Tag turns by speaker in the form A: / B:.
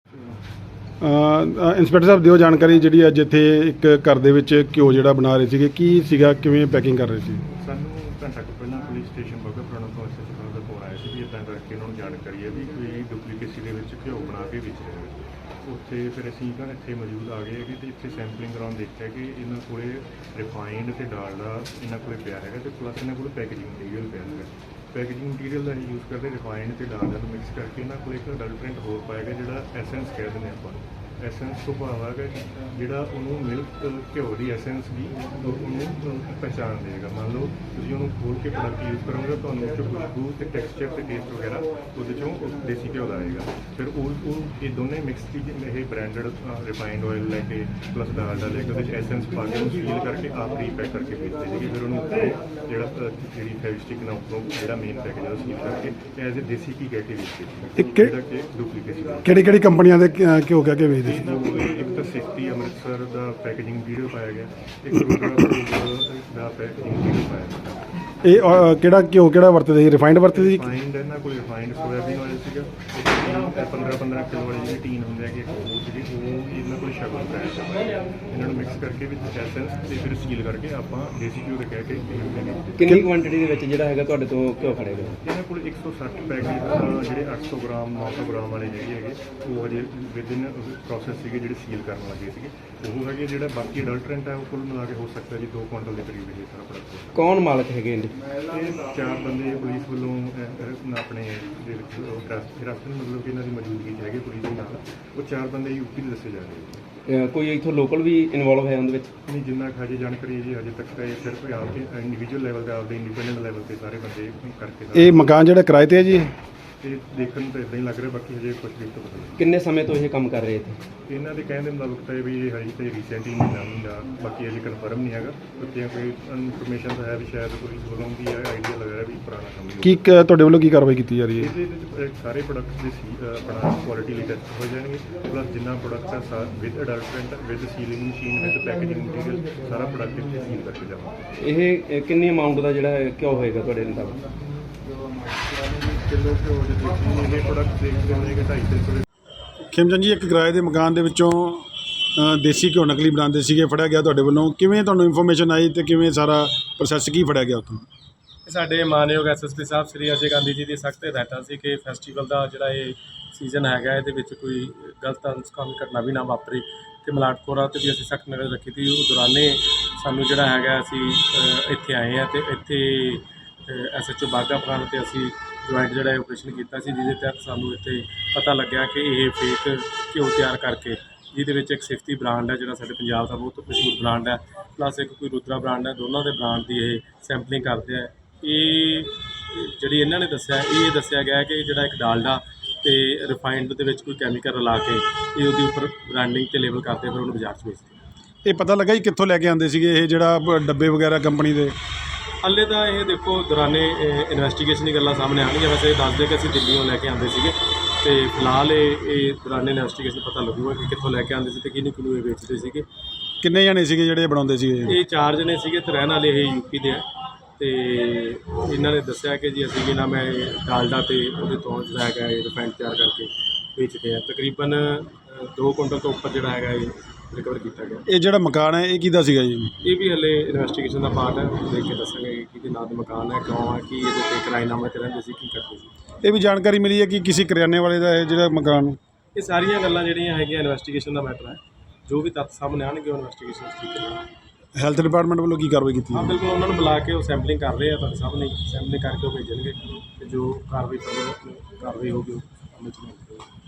A: Inspector ਸਾਹਿਬ ਦਿਓ ਜਾਣਕਾਰੀ ਜਿਹੜੀ ਅੱਜ ਇੱਥੇ ਇੱਕ ਘਰ ਦੇ ਵਿੱਚ ਘਿਓ ਜਿਹੜਾ ਬਣਾ ਰਹੇ ਸੀਗੇ, ਕੀ ਸੀਗਾ, ਕਿਵੇਂ ਪੈਕਿੰਗ ਕਰ ਰਹੇ ਸੀ?
B: ਸਾਨੂੰ ਘੰਟਾ ਕੁ ਪਹਿਲਾਂ ਪੁਲਿਸ ਸਟੇਸ਼ਨ ਬਗਾ ਪੁਰਾਣਾ ਤੋਂ ਐਸਐਚ ਸਾਹਿਬ ਦਾ ਫੋਨ ਆਇਆ ਸੀ ਵੀ ਇੱਦਾਂ ਕਰਕੇ ਉਹਨਾਂ ਨੂੰ ਜਾਣਕਾਰੀ ਹੈ ਵੀ ਕੋਈ ਡੁਪਲੀਕੇਸੀ ਦੇ ਵਿੱਚ ਘਿਓ ਬਣਾ ਕੇ ਵੇਚ ਰਹੇ ਨੇ। ਉੱਥੇ ਫਿਰ ਅਸੀਂ ਇੱਥੇ ਮੌਜੂਦ ਆ ਗਏ ਕਿ ਇੱਥੇ ਸੈਂਪਲਿੰਗ ਕਰਾਉਣ ਦੇਖਿਆ ਕਿ ਇਹਨਾਂ ਕੋਲੇ ਰਿਫਾਈਨਡ ਤੇ ਡਾਲਡਾ ਇਹਨਾਂ ਕੋਲੇ ਪਿਆ ਹੈਗਾ ਤੇ ਪਲੱਸ ਇਹਨਾਂ ਕੋਲ ਪੈਕੇਜਿੰਗ ਮਟੀਰੀਅਲ ਪਿਆ ਹੈਗਾ। ਪੈਕੇਜਿੰਗ ਮਟੀਰੀਅਲ ਦਾ ਯੂਜ਼ ਕਰਦੇ ਰਿਫਾਈਨਡ ਤੇ ਡਾਲਡਾ ਨੂੰ ਮਿਕਸ ਕਰਕੇ ਇਹਨਾਂ ਕੋਲ ਇੱਕ ਅਡਲਟਰੈਂਟ ਹੋਰ ਪਾਇਆ ਗਿਆ ਜਿਹੜਾ ਐਸੈਂਸ ਕਹਿ ਦਿੰਦੇ ਆਪਾਂ। ਐਸੈਂਸ ਤੋਂ ਭਾਵ ਹੈਗਾ ਜਿਹੜਾ ਉਹਨੂੰ ਮਿਲਕ ਘਿਓ ਦੀ ਐਸੈਂਸ ਵੀ ਉਹਨੂੰ ਪਹਿਚਾਣ ਦੇਗਾ। ਮੰਨ ਲਓ ਤੁਸੀਂ ਉਹਨੂੰ ਖੋਲ ਕੇ ਪ੍ਰੋਡਕਟ ਯੂਜ਼ ਕਰੋਗੇ ਤੁਹਾਨੂੰ ਉਹ 'ਚੋਂ ਖੁਸ਼ਬੂ ਤੇ ਟੈਕਸਚਰ ਤੇ ਟੇਸਟ ਵਗੈਰਾ ਉਹਦੇ 'ਚੋਂ ਦੇਸੀ ਘਿਓ ਦਾ ਆਏਗਾ। ਫਿਰ ਉਹ ਇਹ ਦੋਨੇ ਮਿਕਸ ਚੀਜ਼ ਇਹ ਬ੍ਰਾਂਡਡ ਰਿਫਾਈਨਡ ਆਇਲ ਲੈ ਕੇ ਪਲੱਸ ਡਾਲਡਾ ਲੈ ਕੇ ਉਹਦੇ 'ਚ ਐਸੈਂਸ ਪਾ ਕੇ ਉਹਨੂੰ ਸੀਲ ਕਰਕੇ ਆਪ ਰੀਪੈਕ ਕਰਕੇ ਵੇਚਦੇ ਸੀਗੇ। ਫਿਰ ਉਹਨੂੰ ਜਿਹੜੀ ਫੈਵਿਸਟਿਕ ਨਾਲ ਉੱਪਰੋਂ ਜਿਹੜਾ ਮੇਨ ਪੈਕੇਜ ਆ ਉਹ ਸੀਲ ਕਰਕੇ ਐਜ਼ ਏ ਦੇਸੀ ਘੀ ਕਹਿ ਕੇ ਵੇਚਦੇ ਸੀ, ਜਿਹੜਾ ਕਿ ਡੁਪਲੀਕੇਸੀ।
A: ਕਿਹੜੀ ਕੰਪਨੀਆਂ ਦੇ ਘਿਓ ਕਹਿ ਕੇ ਵੇਚਦੇ?
B: ਇਹਨਾਂ ਕੋਲ ਇੱਕ ਤਾਂ ਸਿਫਤੀ ਅੰਮ੍ਰਿਤਸਰ ਦਾ ਪੈਕੇਜਿੰਗ ਮਟੀਰੀਅਲ ਪਾਇਆ ਗਿਆ, ਇੱਕ ਰੁਦਰਾ ਦਾ ਪੈਕੇਜਿੰਗ ਮਟੀਰੀਅਲ ਪਾਇਆ ਗਿਆ।
A: ਇਹ ਕਿਹੜਾ ਘਿਓ ਕਿਹੜਾ ਵਰਤਦੇ ਸੀ? ਰਿਫਾਈਨਡ ਵਰਤਦੇ ਸੀ?
B: ਰਿਫਾਈਨਡ ਇਹਨਾਂ ਕੋਲ ਰਿਫਾਈਨਡ ਸੋਇਆਬੀਨ ਆਇਲ ਸੀਗਾ। 15 ਕਿਲੋ ਵਾਲੀ ਜਿਹੜੀ ਟੀਨ ਹੁੰਦੀ ਹੈ ਕਿ ਉਹ ਜਿਹੜੀ ਉਹ ਇਹਨਾਂ ਕੋਲ ਸ਼ਗਨ ਬ੍ਰਾਂਡ ਦਾ ਇਹਨਾਂ ਨੂੰ ਮਿਕਸ ਕਰਕੇ ਵਿੱਚ ਐਸੈਂਸ ਤੇ ਫਿਰ ਸੀਲ ਕਰਕੇ ਆਪਾਂ ਦੇਸੀ ਘਿਓ ਦੇ ਕਹਿ ਕੇ
C: ਕਿੰਨੀ ਕੁਆਂਟੀਟੀ ਦੇ ਵਿੱਚ ਜਿਹੜਾ ਹੈਗਾ ਤੁਹਾਡੇ ਤੋਂ ਘਿਓ ਖੜੇਗਾ?
B: ਇਹਨਾਂ ਕੋਲ 160 ਪੈਕੇਜ ਜਿਹੜੇ 800 ਗ੍ਰਾਮ 900 ਗ੍ਰਾਮ ਵਾਲੇ ਜਿਹੜੇ ਹੈਗੇ ਉਹ ਹਜੇ ਵਿਦਿਨ ਪ੍ਰੋਸੈਸ ਸੀਗੇ ਜਿਹੜੇ ਸੀਲ ਕਰਨ ਲੱਗੇ ਸੀਗੇ। ਉਹ ਹੈਗੇ ਜਿਹੜਾ ਬਾਕੀ ਅਡਲਟਰੈਂਟ ਹੈ ਉਹ ਕੁੱਲ ਮਿਲਾ ਕੇ ਹੋ ਸਕਦਾ ਜੀ 2 ਕੁਇੰਟਲ ਦੇ ਕਰੀਬ ਇਹ ਸਾਰਾ ਪ੍ਰੋਡਕਟ।
C: ਕੌਣ ਮਾਲਕ ਹੈਗੇ ਇਹਦੇ?
B: ਇਹ 4 ਬੰਦੇ ਪੁਲਿਸ ਵੱਲੋਂ ਆਪਣੇ ਦੇ ਵਿੱਚ ਹਿਰਾਸਤ ਮਤਲਬ ਕਿ ਇਹਨਾਂ ਦੀ ਮੌਜੂਦਗੀ 'ਚ ਹੈਗੇ ਪੁਲਿਸ ਦੇ ਨਾਲ। ਉਹ 4 ਬੰਦੇ ਯੂਪੀ ਦੇ ਦੱਸੇ ਜਾ ਰਹੇ।
C: ਕੋਈ ਇੱਥੋਂ ਲੋਕਲ ਵੀ ਇਨਵੋਲਵ ਹੈ ਉਹਦੇ ਵਿੱਚ?
B: ਨਹੀਂ, ਜਿੰਨਾ ਹਜੇ ਜਾਣਕਾਰੀ ਹੈ ਜੀ ਹਜੇ ਤੱਕ ਤਾਂ ਇਹ ਸਿਰਫ ਆਪਦੇ ਇੰਡੀਵਿਜੂਅਲ ਲੈਵਲ ਤੇ ਆਪਦੇ ਇੰਡੀਪੈਂਡੈਂਟ ਲੈਵਲ ਤੇ ਸਾਰੇ ਬੰਦੇ ਕਰਕੇ।
A: ਇਹ ਮਕਾਨ ਜਿਹੜਾ ਕਿਰਾਏ ਤੇ ਹੈ ਜੀ?
B: ਇਹ ਦੇਖਣ ਨੂੰ ਤਾਂ ਇਦਾਂ ਹੀ ਲੱਗ ਰਿਹਾ, ਬਾਕੀ ਹਜੇ ਕੁਝ ਵੀ ਤਾਂ ਪਤਾ ਨਹੀਂ।
C: ਕਿੰਨੇ ਸਮੇਂ ਤੋਂ ਇਹ ਕੰਮ ਕਰ ਰਹੇ ਇੱਥੇ?
B: ਇਹਨਾਂ ਦੇ ਕਹਿਣ ਦੇ ਮੁਤਾਬਕ ਤਾਂ ਇਹ ਵੀ ਇਹ ਹਜੇ ਤਾਂ ਰੀਸੈਂਟਲੀ ਮਹੀਨਾ ਬਾਕੀ ਹਜੇ ਕਨਫਰਮ ਨਹੀਂ ਹੈਗਾ। ਕਿਉਂਕਿ ਕੋਈ ਇਨਫੋਰਮੇਸ਼ਨ ਤਾਂ ਹੈ ਵੀ ਸ਼ਾਇਦ ਪੁਲਿਸ ਵੱਲੋਂ ਵੀ ਆਈਡੀਆ ਲੱਗ ਰਿਹਾ ਵੀ ਪੁਰਾਣਾ ਕੰਮ
A: ਕੀ ਤੁਹਾਡੇ ਵੱਲੋਂ ਕੀ ਕਾਰਵਾਈ ਕੀਤੀ ਜਾ ਰਹੀ ਹੈ?
B: ਇਹਦੇ ਵਿੱਚ ਸਾਰੇ ਪ੍ਰੋਡਕਟਸ ਦੇ ਆਪਣਾ ਕੁਆਲਿਟੀ ਲਈ ਟੈਸਟ ਹੋ ਜਾਣਗੇ। ਪਲੱਸ ਜਿੰਨਾ ਪ੍ਰੋਡਕਟ ਆ with adulterant with sealing machine with packaging material ਸਾਰਾ ਪ੍ਰੋਡਕਟ ਇੱਥੇ ਸੀਲ ਕਰਕੇ ਜਾਵਾਂਗੇ।
C: ਇਹ ਕਿੰਨੀ ਅਮਾਊਂਟ ਦਾ ਜਿਹੜਾ ਘਿਓ ਹੋਏਗਾ ਤੁਹਾਡੇ ਮੁਤਾਬਕ?
B: ਕਿਲੋ ਘਿਓ ਦੇ ਵਿੱਚ ਇਹ ਪ੍ਰੋਡਕਟ ਦੇਖਦੇ ਹੋਣੇ ਕਿ 250 ਦੇ।
A: ਖੇਮਚੰਦ ਜੀ, ਇੱਕ ਕਿਰਾਏ ਦੇ ਮਕਾਨ ਦੇ ਵਿੱਚੋਂ ਦੇਸੀ ਘਿਓ ਨਕਲੀ ਬਣਾਉਂਦੇ ਸੀਗੇ, ਫੜਿਆ ਗਿਆ ਤੁਹਾਡੇ ਵੱਲੋਂ। ਕਿਵੇਂ ਤੁਹਾਨੂੰ ਇਨਫੋਰਮੇਸ਼ਨ ਆਈ ਤੇ ਕਿਵੇਂ ਸਾਰਾ ਪ੍ਰੋਸੈਸ ਕੀ ਫੜਿਆ ਗਿਆ ਉੱਥੋਂ?
D: ਸਾਡੇ ਮਾਨਯੋਗ ਐਸਐਸਪੀ ਸਾਹਿਬ ਸ੍ਰੀ ਅਜੇ ਗਾਂਧੀ ਜੀ ਦੀ ਸਖਤ ਹਦਾਇਤਾਂ ਸੀ ਕਿ ਫੈਸਟੀਵਲ ਦਾ ਜਿਹੜਾ ਇਹ ਸੀਜ਼ਨ ਹੈਗਾ ਇਹਦੇ ਵਿੱਚ ਕੋਈ ਗਲਤ ਅਨਸਕਾਮੀ ਘਟਨਾ ਵੀ ਨਾ ਵਾਪਰੇ ਤੇ ਮਲਾਟਖੋਰਾਂ 'ਤੇ ਵੀ ਅਸੀਂ ਸਖਤ ਨਜ਼ਰ ਰੱਖੀ ਤੀ। ਉਹ ਦੌਰਾਨੇ ਸਾਨੂੰ ਜਿਹੜਾ ਹੈਗਾ ਅਸੀਂ ਇੱਥੇ ਆਏ ਹਾਂ ਤੇ ਇੱਥੇ ਐਸਐਚਓ ਬਾਘਾ ਪੁਰਾਣਾ ਤੇ ਅਸੀਂ ਜੁਆਇੰਟ ਜਿਹੜਾ ਆਪਰੇਸ਼ਨ ਕੀਤਾ ਸੀ, ਜਿਹਦੇ ਤਹਿਤ ਸਾਨੂੰ ਇੱਥੇ ਪਤਾ ਲੱਗਿਆ ਕਿ ਇਹ ਫੇਕ ਘਿਓ ਤਿਆਰ ਕਰਕੇ ਜਿਹਦੇ ਵਿੱਚ ਇੱਕ ਸਿਫਤੀ ਬ੍ਰਾਂਡ ਹੈ ਜਿਹੜਾ ਸਾਡੇ ਪੰਜਾਬ ਦਾ ਬਹੁਤ ਮਸ਼ਹੂਰ ਬ੍ਰਾਂਡ ਹੈ, ਪਲੱਸ ਇੱਕ ਕੋਈ ਰੁਦਰਾ ਬ੍ਰਾਂਡ ਹੈ, ਦੋਨਾਂ ਦੇ ਬ੍ਰਾਂਡ ਦੀ ਇਹ ਸੈਂਪਲਿੰਗ ਕਰਦੇ ਆ। ਇਹ ਜਿਹੜੀ ਇਹਨਾਂ ਨੇ ਦੱਸਿਆ ਇਹ ਦੱਸਿਆ ਗਿਆ ਕਿ ਜਿਹੜਾ ਇੱਕ ਡਾਲਡਾ ਤੇ ਰਿਫਾਈਨਡ ਦੇ ਵਿੱਚ ਕੋਈ ਕੈਮੀਕਲ ਰਲਾ ਕੇ ਇਹ ਉਹਦੇ ਉੱਪਰ ਬ੍ਰਾਂਡਿੰਗ ਤੇ ਲੇਬਲ ਕਰਦੇ ਫਿਰ ਉਹਨੂੰ ਬਾਜ਼ਾਰ 'ਚ ਵੇਚਦੇ।
A: ਇਹ ਪਤਾ ਲੱਗਾ ਜੀ ਕਿੱਥੋਂ ਲੈ ਕੇ ਆਉਂਦੇ ਸੀਗੇ ਇਹ ਜਿਹੜਾ ਡੱਬੇ ਵਗੈਰਾ ਕੰਪਨੀ ਦੇ?
D: ਹਾਲੇ ਤਾਂ ਇਹ ਦੇਖੋ ਦੌਰਾਨੇ ਇਨਵੈਸਟੀਗੇਸ਼ਨ ਦੀ ਗੱਲਾਂ ਸਾਹਮਣੇ ਆਉਣਗੀਆਂ। ਵੈਸੇ ਦੱਸਦੇ ਕਿ ਅਸੀਂ ਦਿੱਲੀੋਂ ਲੈ ਕੇ ਆਉਂਦੇ ਸੀਗੇ ਤੇ ਫਿਲਹਾਲ ਇਹ ਦੌਰਾਨੇ ਇਨਵੈਸਟੀਗੇਸ਼ਨ ਪਤਾ ਲੱਗੂਗਾ ਕਿ ਕਿੱਥੋਂ ਲੈ ਕੇ ਆਉਂਦੇ ਸੀ ਤੇ ਕਿਹਨੂੰ ਇਹ ਵੇਚਦੇ ਸੀਗੇ।
A: ਕਿੰਨੇ ਜਣੇ ਸੀਗੇ ਜਿਹੜੇ ਬਣਾਉਂਦੇ ਸੀਗੇ?
D: ਇਹ 4 ਜਣੇ ਸੀਗੇ ਤੇ ਰਹਿਣ ਵਾਲੇ ਇਹ ਯੂਪੀ ਦੇ ਆ ਤੇ ਇਹਨਾਂ ਨੇ ਦੱਸਿਆ ਕਿ ਜੀ ਅਸੀਂ ਵੀ ਨਾ ਮੈਂ ਡਾਲਡਾ ਤੇ ਉਹਦੇ ਤੋਂ ਜਿਹੜਾ ਹੈਗਾ ਇਹ ਰਿਫਾਈਨਡ ਤਿਆਰ ਕਰਕੇ ਵੇਚਦੇ ਆ। ਤਕਰੀਬਨ 2 ਕੁਇੰਟਲ ਤੋਂ ਉੱਪਰ ਜਿਹੜਾ ਹੈਗਾ ਇਹ ਰਿਕਵਰ ਕੀਤਾ ਗਿਆ।
A: ਇਹ ਜਿਹੜਾ ਮਕਾਨ ਹੈ ਇਹ ਕਿਹਦਾ ਸੀਗਾ ਜੀ?
D: ਇਹ ਵੀ ਹਲੇ ਇਨਵੈਸਟੀਗੇਸ਼ਨ ਦਾ ਪਾਰਟ ਹੈ, ਦੇਖ ਕੇ ਦੱਸਾਂਗੇ ਕਿ ਕਿਹਦੇ ਨਾਂ ਦਾ ਮਕਾਨ ਹੈ, ਕਿਉਂ ਹੈ, ਕੀ ਇਹਦੇ ਤੇ ਕਿਰਾਏਨਾਮੇ ਤੇ ਰਹਿੰਦੇ ਸੀ, ਕੀ ਕਰਦੇ ਸੀ।
A: ਇਹ ਵੀ ਜਾਣਕਾਰੀ ਮਿਲੀ ਹੈ ਕਿ ਕਿਸੇ ਕਰਿਆਨੇ ਵਾਲੇ ਦਾ ਹੈ ਜਿਹੜਾ ਮਕਾਨ?
D: ਇਹ ਸਾਰੀਆਂ ਗੱਲਾਂ ਜਿਹੜੀਆਂ ਹੈਗੀਆਂ ਇਨਵੈਸਟੀਗੇਸ਼ਨ ਦਾ ਮੈਟਰ ਹੈ। ਜੋ ਵੀ ਤੱਥ ਸਾਹਮਣੇ ਆਉਣਗੇ ਉਹ ਇਨਵੈਸਟੀਗੇਸ਼ਨ ਠੀਕ ਕਰਾਂਗੇ।
A: ਹੈਲਥ ਡਿਪਾਰਟਮੈਂਟ ਵੱਲੋਂ ਕੀ ਕਾਰਵਾਈ ਕੀਤੀ?
D: ਹਾਂ ਬਿਲਕੁਲ, ਉਹਨਾਂ ਨੂੰ ਬੁਲਾ ਕੇ ਉਹ ਸੈਂਪਲਿੰਗ ਕਰ ਰਹੇ ਆ, ਤੁਹਾਡੇ ਸਾਹਮਣੇ ਸੈਂਪਲਿੰਗ ਕਰਕੇ ਉਹ ਭੇਜਣਗੇ ਤੇ ਜੋ ਕਾਰਵਾਈ ਹੋਊਗੀ ਉਹ ਅਮਲ 'ਚ ਲਿਆਂਦੀ ਜਾਊਗੀ।